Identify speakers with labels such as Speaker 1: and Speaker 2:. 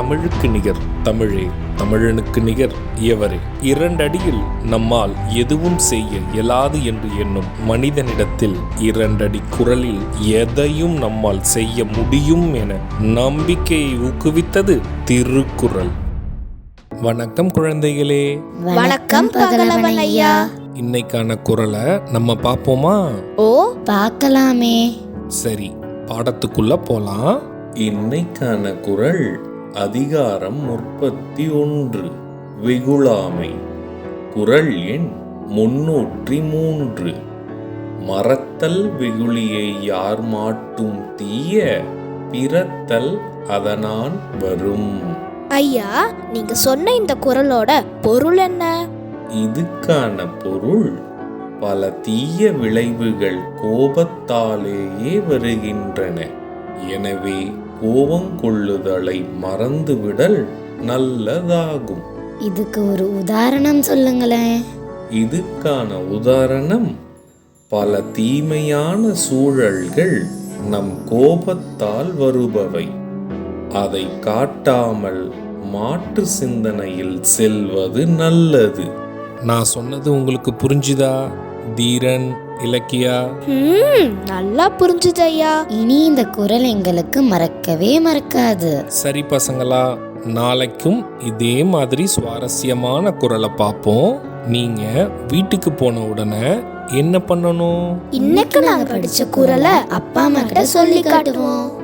Speaker 1: தமிழுக்கு நிகர் தமிழே, தமிழனுக்கு நிகர் எவரே. 2 அடியில் நம்மால் எதுவும் செய்ய இயலாது என்று எண்ணும் மனிதனிடத்தில் 2 அடி குரலில் எதையும் நம்மால் செய்ய முடியும் என நம்பிக்கையை ஊக்குவித்தது திருக்குறள். வணக்கம் குழந்தைகளே.
Speaker 2: வணக்கம் பகலவன் ஐயா.
Speaker 1: இன்னைக்கான குறளை நம்ம பார்ப்போமா?
Speaker 2: ஓ, பார்க்கலாமே.
Speaker 1: சரி, பாடத்துக்குள்ள போலாம். இன்னைக்கான குறள் அதிகாரம் 31, வெகுளாமை. குறள் எண் 303. மறத்தல் வெகுளியை யார் மாட்டும் தீய, பிறத்தல் அதனான் வரும்.
Speaker 2: ஐயா, நீங்க சொன்ன இந்த குறளோட பொருள் என்ன?
Speaker 1: இதுக்கான பொருள், பல தீய விளைவுகள் கோபத்தாலேயே வருகின்றன. எனவே கோபம் கொள்ளுதலை மறந்துவிடல் நல்லதாகும்.
Speaker 2: இதுக்கு ஒரு உதாரணம் சொல்லுங்களேன்.
Speaker 1: இதுக்கான உதாரணம், பல தீமையான சூழல்கள் நம் கோபத்தால் வருபவை. அதை காட்டாமல் மாற்று சிந்தனையில் செல்வது நல்லது. நான் சொன்னது உங்களுக்கு புரிஞ்சுதா தீரன், இலக்கியா?
Speaker 2: நல்லா புரிஞ்சுது ஐயா. இனி இந்த குறள் எங்களுக்கு மறக்கவே மறக்காது.
Speaker 1: சரி பசங்களா, நாளைக்கும் இதே மாதிரி சுவாரஸ்யமான குறளை பார்ப்போம். நீங்க வீட்டுக்கு போன உடனே என்ன பண்ணணும்?
Speaker 2: இன்னைக்கு நாங்க படிச்ச குறளை அப்பா அம்மா கிட்ட சொல்லி காட்டுவோம்.